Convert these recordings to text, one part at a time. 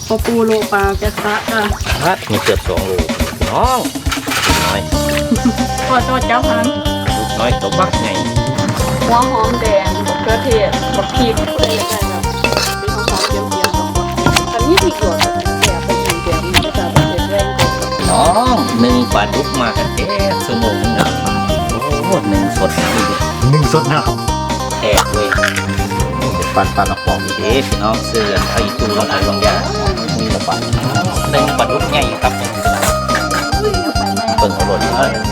ปอปูโลปลาแกะซะค่ะพัดมีเกือบ2 โลน้องน้อยทอดเจ้าพันลูกน้อยตัวบักไงหัวหอมแดงบักเขือเทศบักพริกอะไรอย่างเงี้ยแบบเป็นหอมๆเจียวๆต่างๆอันนี้ที่เกิดแก่ไปอีกแบบนี้จะเป็นแรงกว่าน้อง1 ปลาดุกมากันชั่วโมงนึงนะโอ้1 สดนี่ดิ 1 สดนะแตกเลยปันออกปอกอีกพี่น้องเสื้อไอ้ตู้ลงไปลงยามีละปัน1 ปลาดุกใหญ่ครับเปิดหัวรถ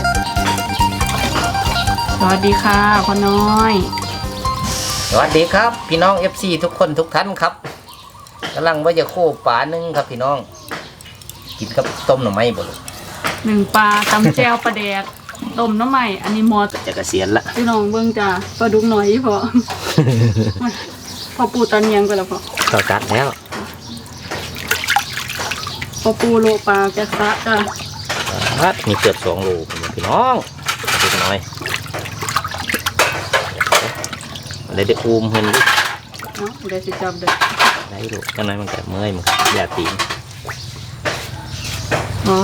สวัสดีค่ะพ่อน้อยสวัสดีครับพี่น้อง FC ทุกคนทุกท่านครับกำลังว่าจะโค้ปลาหนึ่งครับพี่น้องกินกับต้มหน่อไม้บ่ลูก 1 ปลาตำแจ่วปลาแดกต้มน้ำใหม่อันนี้มอจะเกษียณละพี่น้องเบิ่งจ้าปลาดุกหน่อยพอ พอปูตอนเนียงก็แล้วพอต่อจัดแล้วปอปูโลปลาแกะซะค่ะพัดมีเกือบ2 โลพี่น้องดูหน่อยอะไรได้อุ้มเห็นดิเนาะได้สิจับเด้อได้ลูกจังไหนมันก็เมื่อยมันอย่าตีนอ๋อ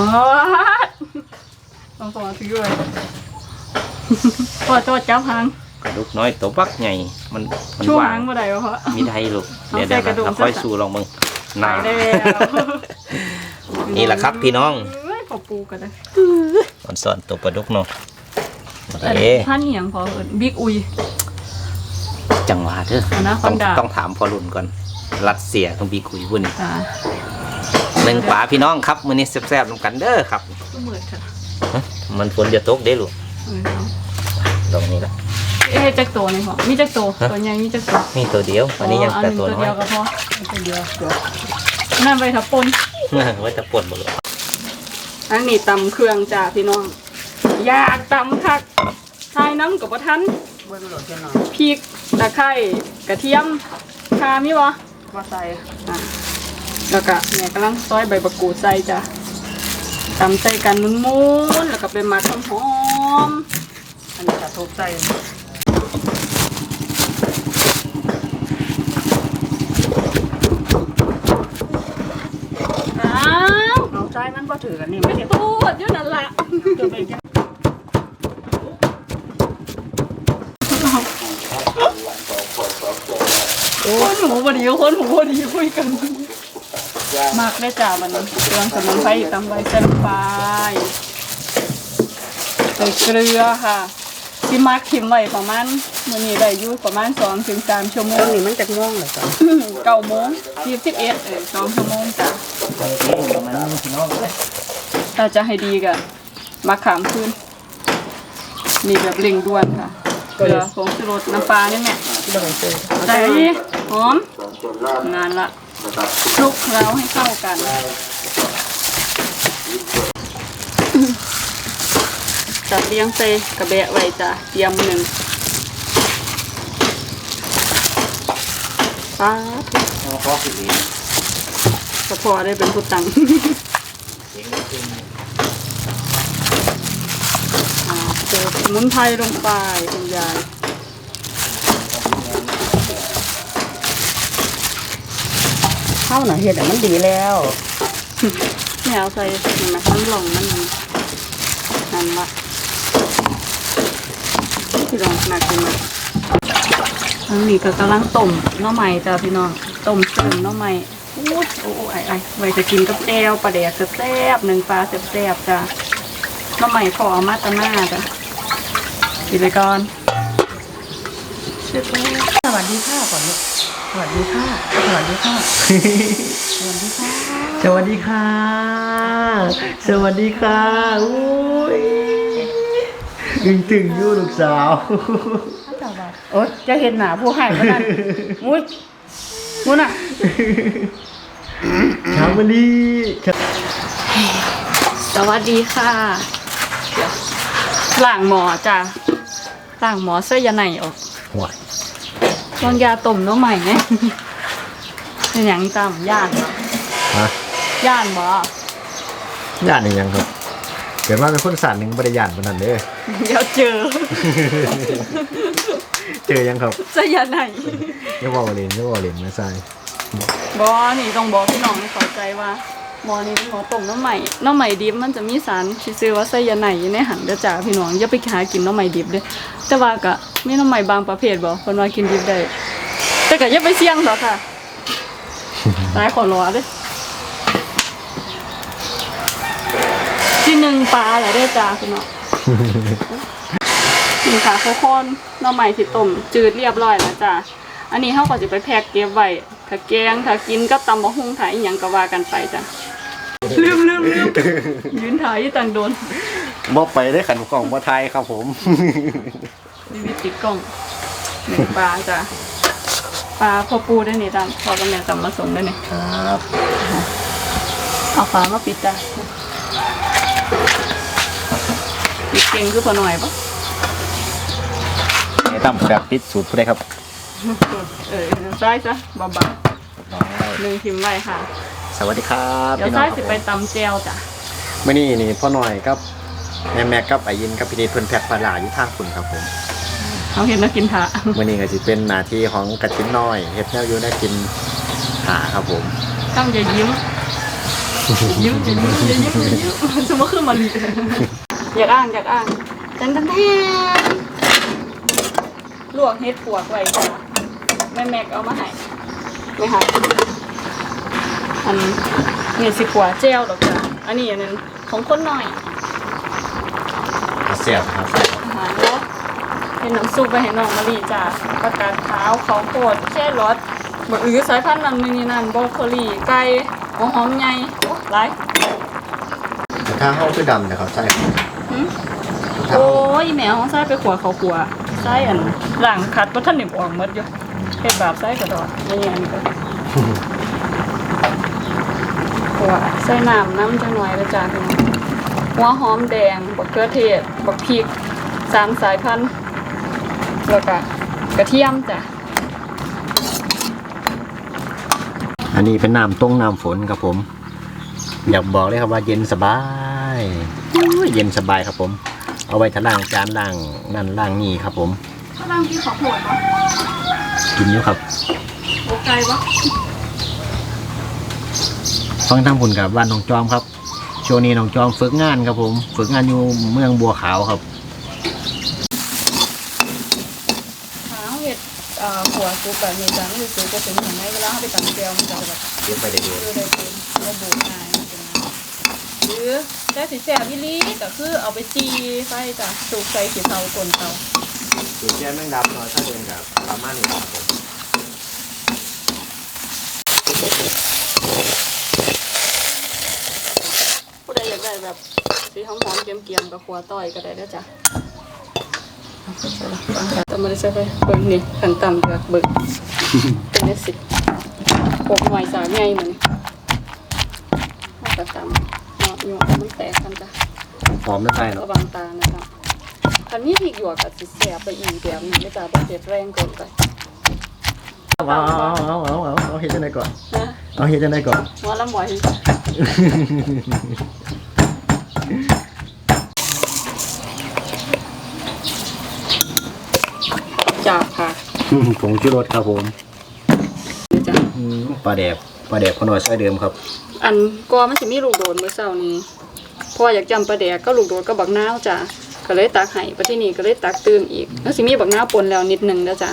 ต้องขอถือด้วยพอโจดจับหางกระดูกน้อยตัวบักใหญ่มันชูหางมาได้เพราะมีไทยลูกเดี๋ยวเราค่อยสู้ลองมึงนายได้นี่แหละครับพี่น้องปอปูกันเลยสอนตัวปลาดุกเนาะท่านเหียงพอบิ๊กอุยจังหวะเถอะต้องถามพอรุ่นก่อนรัสเซียต้องบิ๊กอุยวุ่น1 ปลาพี่น้องครับมื้อนี้แซ่บๆนำกันเด้อครับมันฝนจะตกเด้ลูกตรงนี้แหละจักโตนี่พอมีจักโตตัวใหญ่มีจักโตมีตัวเดียวอันนี้ยังแต่ตัวน้อยเดียวก็พอตัวเดียวนั่นไปทับปนไว้จะปนหมดเลยอันนี้ตำเครื่องจ้าพี่น้องอยากตำคักทายน้ำกับปะทันพริกตะไคร้กระเทียมข่ามีวะมาใส่แล้วก็เนี่ยกำลังซอยใบมะกรูดใส่จ้ะตำใส่กันมุนๆแล้วก็เป็นมัดหอมๆอันนี้จะทุบใส่เอาใจมันก็ถือกันนี่ไม่ได้พูดอยู่นั่นแหละคนหูพอดีคนหูพอดีคุยกันมากได้จ่ามันเครื่องสมุนไพรตำใบเส้นปลายใส่เกลือค่ะที่มักถิ่มไว้ประมาณมื้อนี้ได้อยู่ประมาณ2-3 ชั่วโมงนี่มันจะง่วงเหรอจ๊ะ 9 โมง41 2 ชั่วโมงจ้ะถ้าจะให้ดีก็มาขามคืนนี่แบบเร่งด่วนค่ะเกลือผงชูรสน้ำปลาเนี่ยแม่ใส่หอมงานละคลุกเคล้าให้เข้ากันจัดเลี้ยงใส่กระเบะไว้จ้ะเตรียม1ป้าพอได้เป็นผู้ตังเติมสมุนไพรลงไปคุณยายข้าวหน่ะเห็ดมันดีแล้วเนี่ยเอาใส่เห็นไหมมันหลงนั่นละที่ลองหนักขึ้นมาอันนี้ก็กำลังต้มน้องใหม่จ้าพี่น้องต้มซึ่งน้องใหม่โอ้ไว้จะกินกับแจ่วปลาแดกแซ่บ1 ปลาแซ่บจ้าน้องใหม่พอเอามาตะหน้าจ้ะกินไปก่อนสวัสดีค่ะก่อนลูกสวัสดีค่ะสวัสดีค่ะสวัสดีค่ะสวัสดีค่ะสวัสดีค่ะอุ้ยตึงอยู่ลูกสาวโอ๊ยจะเห็นหนาผู้ให้ก็นั่นมุ้นอ่ะชาวมะลิสวัสดีค่ะล้างหมอจ้ะล้างหมอเสื้อยาไหนออกลองยาต้มน้องใหม่ไหมเป็นอย่างจำย่านย่านบ่ย่านยังครับเกิดมาเป็นคนสารหนึ่งบริยานคนนั้นเลยเดี๋ยวเจอยังครับเสื้อยาไหนยังว่าเล่นไม่ใช่บอนี่ต้องบอกพี่น้องให้เข้าใจว่าหมอนี่เป็นหมอต้มน้ำใหม่ดิบมันจะมีสารที่ชื่อว่าไซยาไนด์อยู่ในหันเด้อจ้าพี่น้องอย่าไปหากินน้ำใหม่ดิบเด้อแต่ว่าก็มีน้ำใหม่บางประเภทบ่เพิ่นว่ากินดิบได้แต่ก็อย่าไปเสี่ยงหรอกค่ะตายขอรอเด้อที่หนึ่งปลาแหละเด้อจ้าพี่น้องนี่ค่ะโคโค่นน้ำใหม่ที่ต้มจืดเรียบร้อยแล้วจ้าอันนี้เฮาก็สิไปแพ็คเก็บไว้ถ้าแกงถ้ากินก็ตำบักหุ่งถ่ายอีหยังก็ว่ากันไปจ้ะลืมยืนถ่ายอยู่ต่างโดนบ่ไปได้ขันกล่องบ่ไทยครับผมนี่วิติดกล้องหนึ่งปลาจ้ะปลาพ่อปูได้นี่จ้ะพอกับแม่จำมาส่งได้นี่ครับเอาฝามาปิดจ้ะปิดเก่งคือพอหน่อยปะไอ้ตั้มแบบปิดสูตรผู้ใดครับซ้ายจ้ะเบาๆหนึ่งทิมไว้ค่ะสวัสดีครับเดี๋ยวซ้ายสิไปตำแจวจ้ะมื้อนี้นี่พ่อหน่อยกับแม่แม็กกับไอยินกับพี่นิดเพิ่นแพ็คปลาหลาอยู่ทางคุณครับผมเขาเห็นแล้วกินถะมื้อนี้ก็สิเป็นหน้าที่ของกระชิ้นน้อยเฮ็ดแนวอยู่ได้กินหาครับผมต้องอย่ายิ้มสมมติคือมันอยากอ้างแทนลวกเฮ็ดปวกไว้จ้ะแม่แม็กเอามาให้ไม่ค่ะอันนี้สิขัวเจลดอกจ้ะอันนี้อันนึงของคนหน่อยเสียบครับอาหารเนาะเป็นน้ำซุปไปให้น้องมะลิจ้ะประกาศขาวข้าวโพดแช่รสบะอื้อสายพันธุ์นั้นนั่นบรอกโคลีไก่หัวหอมใหญ่หลายถ้าเฮาคือดำนะครับใช่โอ้ยแมวใส่ไปขัวเขาขัวใส่อันหลังคัดเพราะท่านหนิบออกหมดอยู่เฮ็ดแบบใส่กระดอดนี่อันนี้ก็ขัวใส่น้ำจังหน่อยแล้วจ้าพี่น้องหัวหอมแดงบักเขือเทศบักพริก3 สายพันธุ์แล้วก็กระเทียมจ้ะอันนี้เป็นน้ำต้งน้ำฝนครับผมอยากบอกเลยครับว่าเย็นสบายเย็นสบายครับผมเอาไว้ทะล่างจานล่างนั่นล่างนี่ครับผมข้าวหลังที่ข้าวโพดปะกินอยู่ครับโอไก่ปะฟังทางผุนกับบ้านน้องจอมครับช่วงนี้น้องจอมฝึกงานครับผมฝึกงานอยู่เมืองบัวขาวครับหาเห็ดขัวซุปแบบนี้จ้ะไม่ได้ซุปก็เป็นอย่างไรเวลาเขาไปตำแก้วมันจะแบบเก็บไปเด็กคือได้เป็นระบุง่ายหรือได้สีแสบวิลีก็คือเอาไปจีไฟจ้ะสูบใส่สีเทากลนเตาสูตรแก้แมงดาหน่อยถ้าเดินกับประมาณนี้ครับผมผู้ใดอยากได้แบบสีหอมๆเกรียมๆกับขัวต้อยก็ได้ด้วยจ้ะแต่ไม่ได้ใส่ไปเบิ่งนี่ขันต่ำกับเบิ่งเป็นได้สิปกหน่วยสาใหญ่เหมือนกระต่ำเนาะอยู่มันแตกกันจ้ะหอมไม่ใช่เนาะระวังตานะครับคันนี้พริกหยวกกับสิแสบไปอีกแบบนี้ไม่จ้ะบ่เผ็ดแรงเกินไปเอาเฮ็ดจังไดก่อนนะเอาเฮ็ดจังไดก่อนหัวละหมอยจับค่ะผงชูรสครับผมนี่จ้ะปลาแดกพอหน่อยใส่เดิมครับอันก็มันสิมีลูกโดดเมื่อเช้านี้พออยากจำปลาแดกก็ลูกโดดก็บักนาวจ้ะก็เลยตักให้ไปที่นี่ก็เลยตักตื่มอีกแล้วสิมีบักนาวปนแล้วนิดนึงแล้วจ้ะ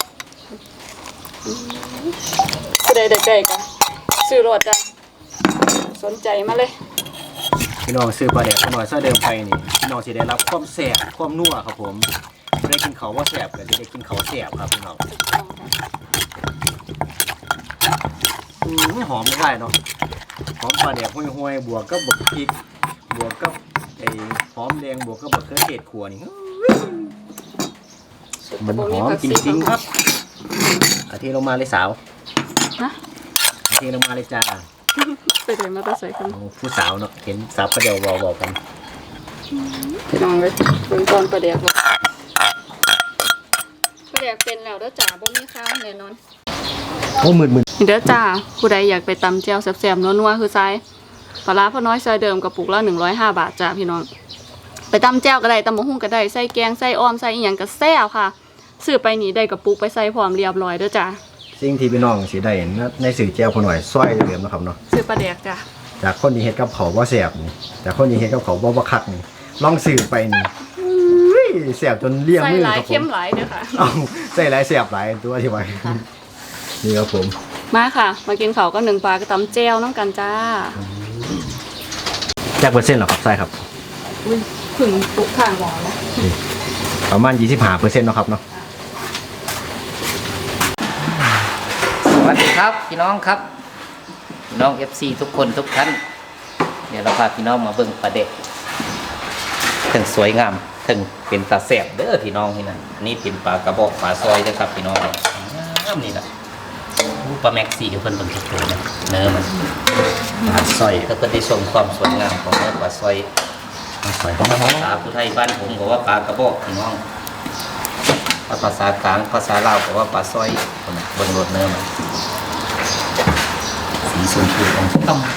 ผู้ใดได้ใกล้กันซื้อรถจ้ะสนใจมาเลยพี่น้องซื้อปลาแดกพอหน่อยใส่เดิมไปนี่พี่น้องสิได้รับความแซ่บความนัวครับผมไม่ได้กินเขาว่าแซ่บแต่ได้กินเขาแซ่บครับพี่น้องหอมไม่ได้เนาะหอมปลาแดกห้วยๆบวกกับบักพริกบวกกับไอ้หอมแดงบวกกับบักเขือเทศขัวนี่มันหอมจริงๆครับอาทิตย์ลงมาเลยสาวนะอาทิตย์ลงมาเลยจ้าไปไหนมาตั้งใส่กันผู้สาวเนาะเห็นสาวประเดี๋ยวบอกกันพี่น้องเลยเบิ่งตอนปลาแดกบ่ปลาแดกเป็นแล้วเด้อจ้าบ่มีข้าวแน่นอนโอ้หมื่นนี่เด้อจ้าผู้ใดอยากไปตำแจ่วแซ่บๆนัวๆคือไซปลาร้าพ่อน้อยซอยเดิมกระปุกละ105 บาทจ้าพี่น้องไปตำแจ่วก็ได้ตำบักหุ่งก็ได้ใส่แกงใส่อ้อมใส่อีหยังก็แซ่บค่ะซื้อไปนี่ได้กระปุกไปใส่พร้อมเรียบร้อยเด้อจ้าสิ่งที่พี่น้องสิได้ในสื่อแจ้วพอหน่อยซอยเหลือมนะครับเนาะซื้อปลาแดกจ้ะจากคนที่เฮ็ดกับเขาบ่แซ่บนี่จากคนที่เฮ็ดกับเขาบ่คักนี่ลองสื่อไปนี่อุ้ยแซ่บจนเลี่ยงใส่มือหลายครับผเข้มมหลายเด้อค่ะเอาใส่หลายแซ่บหลายตัวที่ไว้นี่ครับผมมาค่ะ มากินข้าวกับหนึ่งปลากระตำแจ่วน้องกันจ้าจักเปอร์เซ็นต์เหรอครับใช่ครับอุ้ยผึ่งตุกข้างหวอแล้วนี่ประมาณ25%เนาะครับเนาะสวัสดีครับพี่น้องครับพี่น้อง FC ทุกคนทุกท่านเดี๋ยวเราพาพี่น้องมาเบิ่งปลาเด็กถึงสวยงามถึงเป็นตาแสบเด้อพี่น้องที่นั่นอันนี้เป็นปลากระบอกปลาซอยนะครับพี่น้องนี่แหละปลาแม็กซี่เดี๋ยวเพิ่นเบิ่งทุกตัวนะเนื้อมันปลาซอยถ้าเพิ่นได้ชมความสวยงามของเนื้อปลาซอยภาษาผู้ไทยบ้านผมบอกว่าปลากระบอกพี่น้องภาษากลางภาษาลาวบอกว่าปลาซอยเบิ่งรสเนื้อมันสีชมพูของต้ม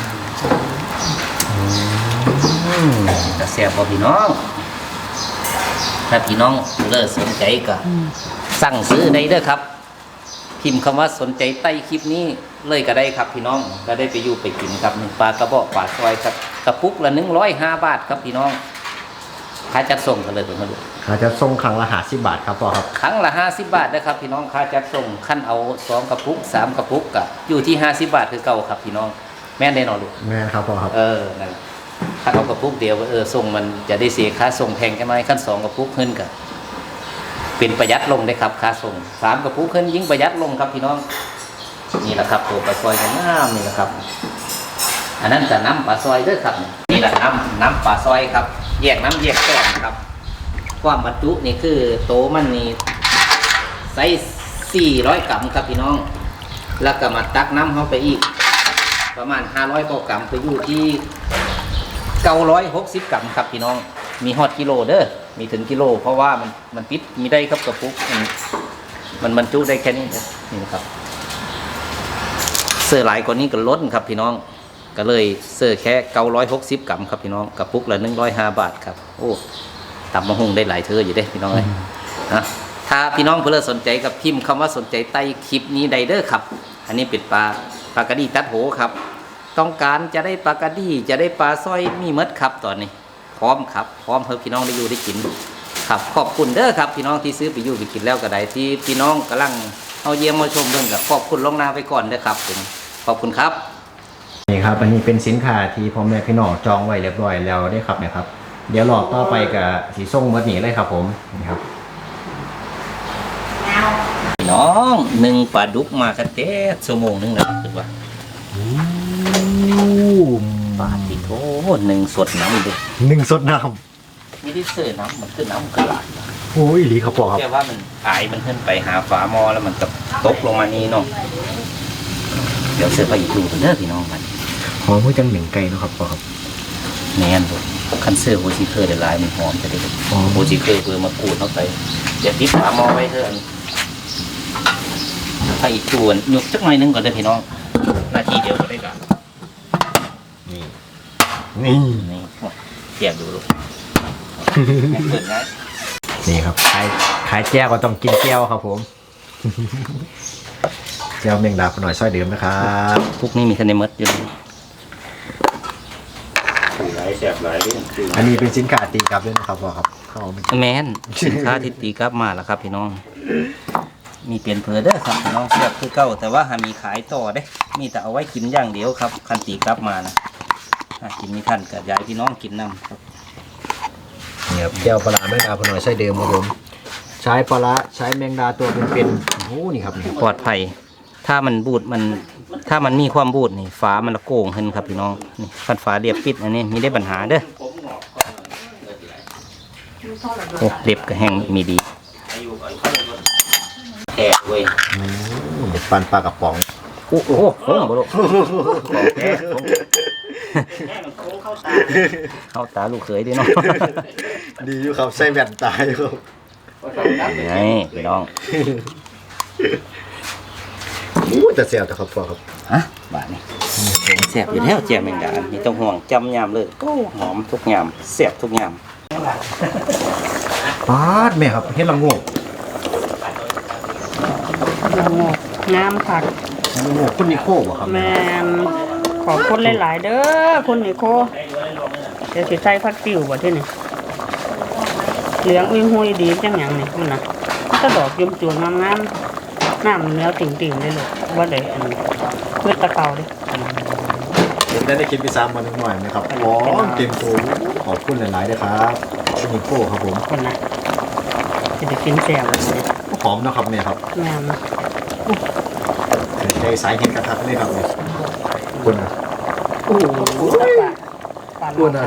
จะแซ่บบ่พี่น้องถ้าพี่น้องเลิกสนใจก็สั่งซื้อได้เด้อครับพิมพ์คำว่าสนใจใต้คลิปนี้เลยก็ได้ครับพี่น้องก็ได้ไปอยู่ไปกินครับปลากระบอกปลาซอยครับกระปุกละ105 บาทครับพี่น้องค่าจัดส่งกันเลยมาดูเขาจะส่งครั้งละ50 บาทครับพ่อครับครั้งละ50 บาทนะครับพี่น้องค่าจัดส่งขั้นเอา2 กระปุก3 กระปุกก็อยู่ที่50 บาทคือเก่าครับพี่น้องแม่นได้นอนลูกแม่นครับพ่อครับนั่นถ้าเอากระปุกเดียวส่งมันจะได้เสียค่าส่งแพงแค่ไหนขั้น2 กระปุกขึ้นกันเป็นประหยัดลงได้ครับค่าส่ง3 กระปุกขึ้นยิ่งประหยัดลงครับพี่น้องนี่แหละครับตัวปลาซอยของน้ำนี่แหละครับอันนั้นจะน้ำปลาซอยด้วยครับนี่แหละน้ำปลาซอยครับแยกน้ำแยกก้อนครับความบรรจุนี่คือโตมันนี่ไซส์400 กรัมครับพี่น้องแล้วก็มาตักน้ำเข้าไปอีกประมาณ500 กรัมไปอยู่ที่960 กรัมครับพี่น้องมีฮอตกิโลเด้อมีถึงกิโลเพราะว่ามันปิดมีได้ครับกระปุกมันบรรจุได้แค่นี้นี่นะครับเสื้อหลายกว่านี้ก็ล้นครับพี่น้องก็เลยเสื้อแค่960 กรัมครับพี่น้องกระปุกละ105 บาทครับโอ้ตำมะฮุ่งได้หลายเธออยู่เด้พี่น้องเลยนะถ้าพี่น้องเพื่อสนใจกับพิมพ์คำว่าสนใจใต้คลิปนี้ใดเด้อครับอันนี้เป็นปลากระดีตัดโหครับต้องการจะได้ปลากระดีจะได้ปลาสร้อยมีมดครับตอนนี้พร้อมครับพร้อมเพื่อพี่น้องได้อยู่ได้กินครับขอบคุณเด้อครับพี่น้องที่ซื้อไปอยู่ไปกินแล้วก็ได้ที่พี่น้องกำลังเอาเยี่ยมมาชมเรื่องกับขอบคุณลงหน้าไปก่อนเด้อครับผมขอบคุณครับนี่ครับอันนี้เป็นสินค้าที่พ่อแม่พี่น้องจองไว้เรียบร้อยแล้วได้ครับเนี่ยครับเดี๋ยวรอต่อไปกับสีส้มเมื่อนี้เลยครับผมนี่ครับพี่น้องหนึ่งปลาดุกมากันเต๊ะชั่วโมงนึงนะถือว่าปลาติโถหนึ่งสดน้ำดู 1 สดน้ำไม่ได้เสิร์ฟน้ำมันคือน้ำกระดาษโอ้ยดีครับพ่อครับแค่ว่ามันอายมันขึ้นไปหาฝาหม้อแล้วมันก็ตกลงมานี่เนาะเดี๋ยวเสิร์ฟไปอีกดูกันเด้อพี่น้องมันหอมหัวจังเหม่งไก่นะครับพ่อครับแน่นเลยคันเสื้อโฮจิเคอร์ได้ลายมันหอมจะได้โฮจิเคอร์เพื่อมากูดเข้าไปเดี๋ยวติดฝาหม้อไว้เถอะไปอีกจวนหยุกสักหน่อยนึงก่อนเด้อพี่น้องนาทีเดียวก็ได้กันนี่เทียบดูลูกเปิดง่ายนี่ครับขายแก้วก็ต้องกินแก้วครับผมแก้วเมงดาหน่อยซอยเดิมนะครับพวกนี้มีคะแนนมัดอยู่หลายแสบหลายเรื่องคืออันนี้เป็นสินค้าตีกลับด้วยนะครับพ่อครับแมนสินค้าที่ตีกลับมาแล้วครับพี่น้องมีเปลี่ยนเพอเด้อครับพี่น้องเสียบคือเก่าแต่ว่าหามีขายต่อเด้มีแต่เอาไว้กินอย่างเดียวครับคันตีกลับมานะกินมีท่านกับยายพี่น้องกินน้ำครับเนี่ยแก้วปลาแมงดาหน่อยซอยเดิมครับผมใช้ปลาใช้แมงดาตัวเป็นโอ้นี่ครับปลอดภัยถ้ามันบูดถ้ามันมีความบูดนี่ฝามันละโก่งขึ้นครับพี่น้องนี่คันฝาเรียบปิดอันนี้มีได้ปัญหาเด้อโอ้เรียบก็แห้งมีดีแอบเว้ยปันปลากระป๋องโอ้โหโอ้โหบ่ลูกเข้าตาลูกเขยดิเนาะดีอยู่ครับใส่แว่นตาอยู่ครับนี่พี่น้องจะเสียบแต่ครับพ่อครับฮะบาทนี่เสียบอยู่แล้วแจ่มแมงดาไม่ต้องห่วงจำยามเลยก็หอมทุกยามเสียบทุกยามปาดแม่ครับเฮ็ดละงวกงามคักคุณนิโคบ่ครับแม่นขอบคุณหลายๆเด้อคุณนิโคเดี๋ยวสิใส่ผักติ๋วบ่ที่นี่เหลืองอุ้ยหุยดีจังหยังนี่คุณน่ะก็ดอกยุ่มจวนงามๆน้ำเนื้อติ่งๆเลยลูกบ่ได้อันนี้พืชตะเกาเด้ได้คิดไปซ้ำมาหน่อยไหมครับอ๋อเต็มตัวขอบคุณหลายๆเลยครับคุณนิโคครับผมคนน่ะสิได้กินแซ่บเลยหอมนะครับเนี่ยครับแม่นในสายเห็นกระทักนี่ครับเนี่ยคุณนะโอ้โหปลาอ้วนอะ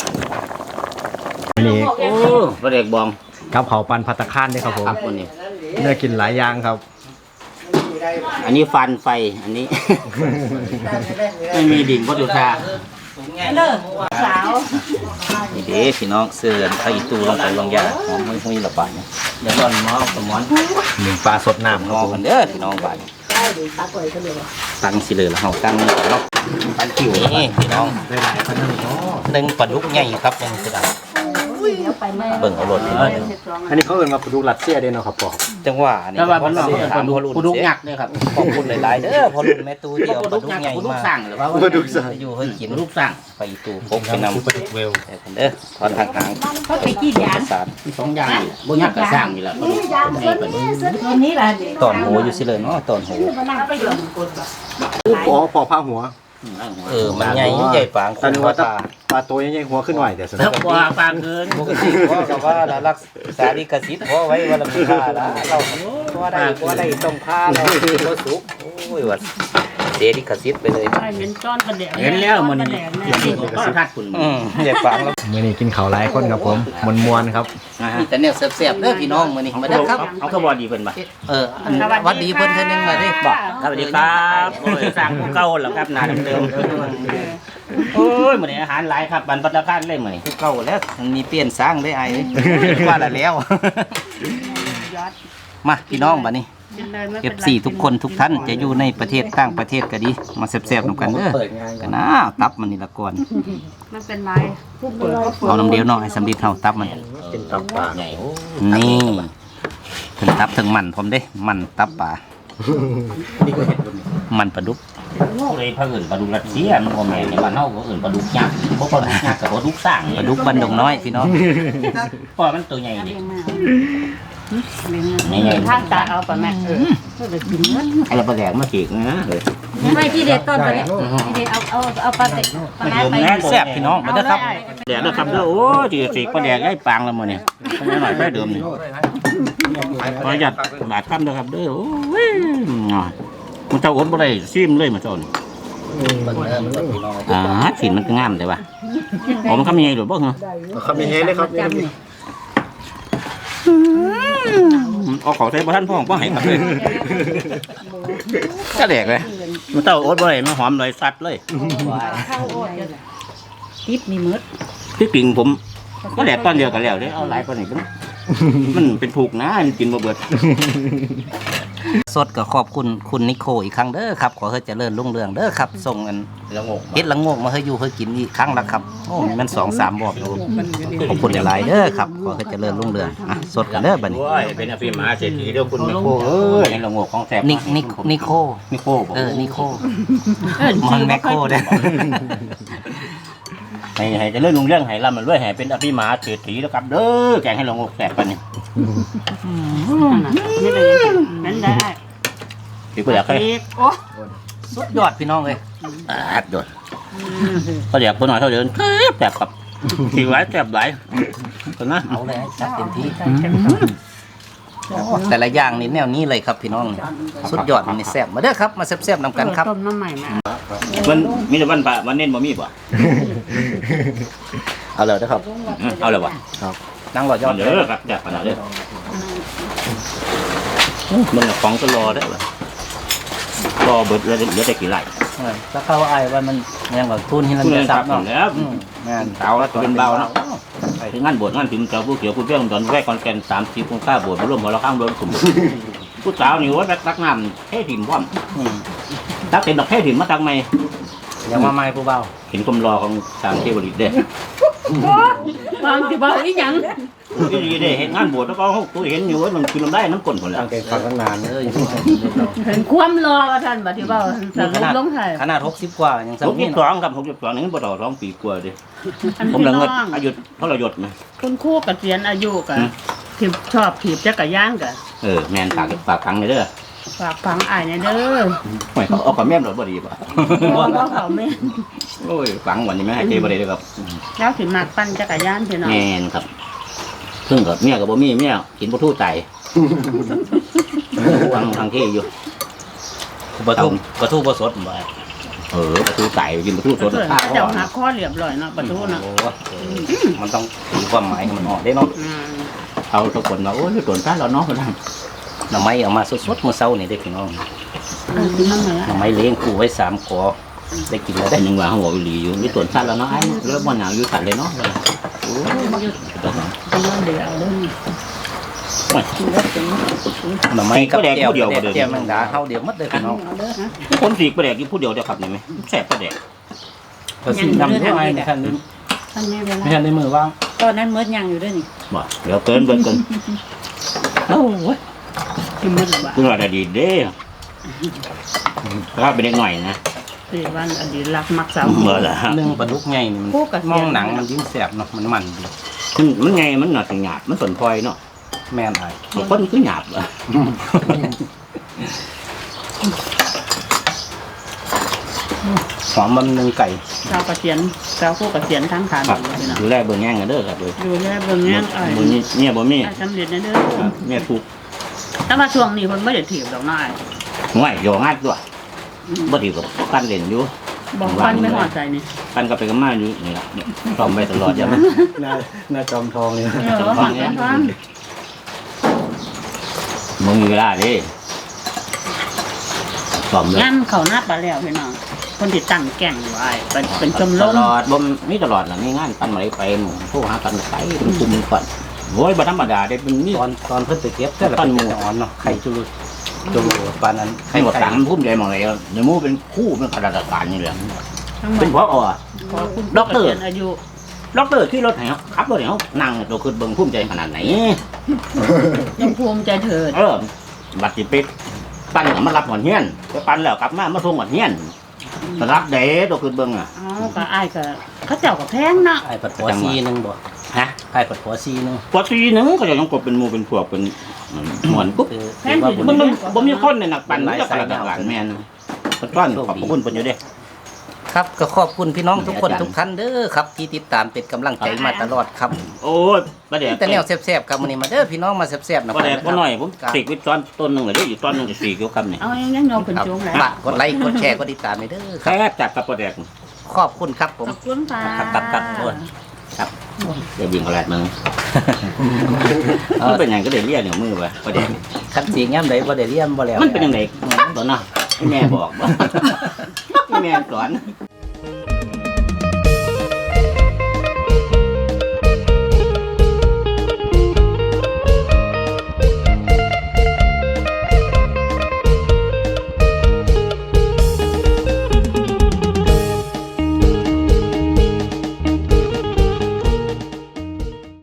อันนี้โอ้ประเด็กบองกับเผาปันพัตตาคานด้วยครับผมครับวันนี้เนื้อกินหลายอย่างครับอันนี้ฟันไฟอันนี้ ไม่มีดิ่งวัตถุธาสาวนี่เด้พี่น้องเสื้อไข่ตูลงไปลงยาหอมหุ้ยๆละบาทเนี่ยเดี๋ยวร้อนหม้อสมอนหนึ่งปลาสดน้ำคงรับอผมกันเด้อพี่น้องบาทตั้งสิเลยแล้วเฮาตั้งนี่ก่อนเนาะปันคิวนี่พี่น้องได้หลายขนาดนี้หนึ่งปลาดุกใหญ่ครับยังคือดังเบิ่งเอารถพี่น้องอันนี้เขาเอิ้นมาปลาดุกรัสเซียเด้เนาะครับพ่อจังหวะนี่ว่าพี่น้องถามพ่อรุ่นปลาดุกยักษ์เนี่ยครับขอบคุณหลายๆเด้อพ่อรุ่นแม่ตู้ที่เอาปลาดุกใหญ่ปลาดุกมาสั่งหรือว่าปลาดุกสั่งอยู่เฮ้ยกินปลาดุกสั่งไปตู้พกไปนำปลาดุกเวลเด้อถอนทางหางเขาไปกี่ยางสารสองอย่างนี่บ่ยักษ์กับสั่งนี่แหละปลาดุกยางส่วนนี้ส่วนนี้แหละตอนหูอยู่สิเลยเนาะตอนหูไปอยู่อ๋อพอผ้าหัวมันใหญ่ใหญ่ปางคแต่นนึกว่าว่าตาปลาตัวใหญ่ๆหัวขึ้นหน่อยแต่สแล้นุวกกว่าปลาเกินปกติพ่อกับว่ารักษาลิขสิทธิ์พ่อไว้ว่าเรามีค่าละเราพ่อได้ต้มค่าเราพ่อสุกโอ้ยวัดเสียลิขสิทธิ์ไปเลยเห็นจ้อนประเดี๋ยวเห็นแล้วมันนี่ก็ทัดคุณใหญ่ปางแล้วมื้อนี้กินข้าวหลายคนครับผมมวนๆครับมีแต่เนี่ยแซ่บๆเด้อพี่น้องมื้อนี้มาเด้อครับเอาขบวนดีเพิ่นบ่อันวัดดีเพิ่นเท่านึงมาได้บอกสวัสดีครับโอ้ยสั่งผู้เก่าแล้วครับหน้าเดิมๆโอ้ยมื้อนี้อาหารหลายครับบันปัตตาคารเลยมื้อนี้เก่าแล้วมันมีเปลี่ยนสร้างได้ไอ้ว่าแล้ว มาพี่น้องบัดนี้ F4 ทุกคนทุกท่านจะอยู่ในประเทศต่างประเทศก็ดีมาแซ่บๆนำกันเด้อกันนะตับมันนี่ละก่อนมันเป็นไรเอาน้ำเดียวเนาะให้สำลีเท่าตับมันกินตับปลาใหญ่โอ้นี่ถึงตับถึงมันผมเด้ มันตับป่านี่ก็เห็นบนนี้มันปลาดุกเลยพระอื่นปลาดุกรัสเซียมันบ่แม่นในบ้านเฮาก็อื่นปลาดุกยักษ์บ่ปลาดุกยักษ์กับปลาดุกสั่งปลาดุกบันดงน้อยพี่น้องเพราะมันตัวใหญ่ดิทางตาเอาไปแม่ไอ้ปลาแดกมาขีกนะไม่ที่เด็ดต้นตัวนี้ที่เด็ดเอาปลาเต็กปลาแม่ไปแซ่บพี่น้องมาเด้อครับแดกนะครับเด้อโอ้ยสิปลาแดกได้ปางแล้วมื้อนี้หน่อยไปเดิมนี่ขออนุญาตบาดคำเด้อครับเด้อโอ้ยมันเจ้าอดบ่ได้ซิมเลยมาจ้อนสินมันก็งามแต่ว่าผมคำยังไงหรือบ่เหรอคำยังไงเลยครับเอาของใส่บ่ทันพ่อให้ครับเลยก็แดกเลยมันเจ้าอดบ่ได้มันหอมเลยสัดเลยทิปนี่มืดที่จริงผมก็แดกตอนเดียวกันแล้วเด้เอาหลายกว่านี้มันเป็นถูกนะมันกินบ่เบิดสดก็ขอบคุณคุณนิโคอีกครั้งเด้อครับขอให้เจริญรุ่งเรืองเด้อครับส่งเงินละงกเฮ็ดละโงกมาให้อยู่ให้กินอีกครั้งละครับโอ้มัน 2-3 บอกอยู่ขอบคุณหลายๆเด้อครับขอให้เจริญรุ่งเรืองอ่ะสดกันเด้อบัดนี้โอ้ยเป็นอภิมหาเศรษฐีเด้อคุณแม่โคเอ้ยละงกของแซ่บนิโคนิโคบ่นิโคมันแมคโคเด้อให้เจะเลื่อนลุงเรื่องให้ร่ำมันรวยให้เป็นอภิมหาเศรษฐีแล้วครับเด้อแกงให้ละงกแซ่บปานนี้นี่เลยนั่นได้สิบ่อยากให้โอ้สุดยอดพี่น้องเลยโดดก็อยากบ่น้อยเท่าเดิมแซ่บครับสิหลายแซ่บหลายก็นะเอาเลยจัดเต็มที่แต่ละอย่างนี่แนวนี้เลยครับพี่น้องสุดยอดมันนี่แซ่บมาเด้อครับมาแซ่บๆนำกันครับต้มน้ำใหม่แม่มันมีแต่วันพระวันเน้นบ่มีบ่เอาเลยนะครับเอาเลยบ่นั่งรอยอดเด้อครับแซ่บขนาดเด้อมันของก็รอได้บ่รอเบิดแล้วเหลือแต่กี่ไร่ถ้าเข้าไอ้ว่ามันยังแบบทุนที่เราคุณจะจะซัสับบ เนาะแล้วงานเตาแล้วเป็นเบาเนาะไปถึงงานบวชงานถึงเจ้าผู้เขียวผู้เปี้ยงตอนแรกคอนแกน30องค่าบวชมาร่วมหัวละข้างโดนกลุ่มผู้สาวนี่ว่าตักน้ำเทถิ่นว่ำตักเต็มดอกเทถิ่นมาตักไม่ยังมาใหม่ผู้เบาเห็นกลมรอของสามเทวริตเด้วางสิบอกอีหยังที่ดีได้เห็นงานบวชแล้วก็เขาตัวเห็นอยู่ว่ามันคือมันได้น้ำก้นคนแล้วตั้งใจฟังตั้งนานเลยเห็นความรอว่าท่านบัดที่เว้าสรุปลงไทยขนาด60 กว่ายังผมซ้ำยี่นี่สองครับผมยี่สองนี่บ่ต่อ2 ปีกว่าดิอันผมพี่ละน้เงิดองอายุเท่าไรหยดไหมคุณครูเกษียณอายุกะที่ชอบถีบจักรยานกะแมนฝากฟังเลยเด้อฝากฟังอ้ายเนี่ยเด้อไม่เขาเอากับแม่มรถบ่ดีป่ะบ่เขาแม่นโอ้ยฟังวันนี้แม่ให้เจบ่ได้เลยครับแล้วสิมักปั่นจักรยานพี่น้องแมนครับเพิ่งกับเมียกับบ่มีเมียกินบ่ทู่ไตทางที่อยู่ปลาทูบ่สดบ่บ่ทู่ไตกินบ่ทู่สดเพิ่นข้าวเจ้าหาข้อเรียบร้อยเนาะประตูเนาะโอ้มันต้องมีความหมายให้มันออกได้เนาะเอาทุกคนว่าโอ้ยตนซ่าแล้วเนาะบ่ได้หน่อไม้เอามาสดๆมื้อเช้านี่เด้อพี่น้องกินน้ำมาหน่อไม้เลี้ยงคู่ไว้3กอได้กินแล้วแต่ได้ยังว่าเขาบอกอีหลีอยู่นี่ตนซ่าแล้วเนาะไอ้แล้วบ่หนาวอยู่ตัดเลยเนาะโอ้ยกินน้ำเดียวเด้อหน่อไม้กับแก้วแก้วแมงดาเฮาเดียวหมดเลยพี่น้องเอาเด้อฮะคนสีกประแดกอยู่ผู้เดียวเดียวครับนี่ไหมแซ่บประแดกก็สินำด้วยไอ้ในคันนี้ท่านแม่เวลาไม่ทันได้มือว่างตอนนั้นเมิดยังอยู่ด้วยนี่บ่เดี๋ยวเกินโอ้ยที่มืดบ่าคุณว่าได้ดีเด้ถ้าเป็นเด็กหน่อยนะสี่วันอดีตรักมักสาวเมื่อละฮะนึ่งปลาดุกใหญ่นี่มันมองหนังมันยิ่งแซ่บเนาะมันดีมันไงมันหนาหยาบมันสนพลอยเนาะแม่นไอ้คนคือหยาบอ่ะหอมมันนึ่งไก่สาวเกษียณสาวคู่เกษียณทั้งฐานครับอยู่เนาะดูแลเบิ่งแง่งกันเด้อครับเลยดูแลเบิ่งแง่อ้ายบ่มีเนี่ยบ่มีอ้ายสำเร็จนะเด้อเนี่ยถูกแต่ว่าช่วงนี้เพิ่นบ่ได้ถีบดอกน้อยง่ายโยงัดด้วยบ่ดีกับกันเล่นอยู่บอกฟันไม่หอดใจนี่กันก็ไปกับมาอยู่นี่ล่ะพร้อมไว้ตลอดอย่ามันหน้าจอมทองเลยหอดกันฟันมึงมีเวลาดิพร้อมเลยงานเขาหน้าปลาแล้วพี่น้องคนที่ตั้งแก่งไว้เป็นชมรตมลอดบ่มีตลอดล่ะมีงานปันมาไปหมู่โทรหากันไปเป็นกลุ่มก่อนโอ้ยบ่ธรรมดาเด้เป็นมีตอนเพิ่นไปเก็บแต่ละปั้นหมูอ่อนเนาะไข่จุลุปานนั้นให้หมดตังค์ภูมิใจหมดเลยเดี๋ยวมูเป็นคู่เป็นข้าราชการนี่แหละทั้งหมเป็ดนพออ่ะขอคุณด็อกเตอร์เกษียณอายุด็อกเตอร์ขี่รถไหนขับรถไหนนั่งตัวคือเบิ่งภูมิใจขนาดไหนยังภูมิใจเถิดบัตรจิปิดปั้นกับมารับหอนเฮียนไปปั้นแล้วกลับมาส่งหอนเฮียนรับเด้ตัวคือเบิ่งอ่ะอ๋อก็อ้ายก็เขาเจ้าก็แพงเนาะไอ้ปัดหัวซีนึงบ่ฮะไอ้ปัดหัวซีนึงปกตินึงก็จะต้องกบเป็นหมู่เป็นพวกเป็นหมวนปุ๊บแพงที่มันบ่มีคนในนักปั่นจะข้าราชการแม่นขอบคุณเพิ่นอยู่เด้ครับก็ขอบคุณพี่น้องทุกคนทุกท่านเด้อครับที่ติดตามเป็นกำลังใจมาตลอดครับโอ้ยประเดี๋ยวแต่แนวแซ่บๆครับมื้อนี้มาเด้อพี่น้องมาแซ่บๆนะประเดี๋ยวคบ่รับน้อยผมสีกไว้ตอนต้นนึงเลยเด้อยู่ตอนนึงจะสีกอยู่คำนี่เอายังโยมขึ้นครับสูงแล้วฝากกดไลค์กดแชร์กดติดตามให้เด้อคแค่รับจัดกับประเดี๋ยวขอบคุณครับผมขอบคุณค่ะครับโทษเดี๋ยววิ่งกระแลดมึงมันเป็นอย่างก็ได้เรียกเนี่ยมือไปประเดี๋ยวคันสีย่ำใดบ่ได้เรียนบ่แล้วมันเป็นยังไงตอนน่ะให้แม่บอกบ่ให้แม่สอน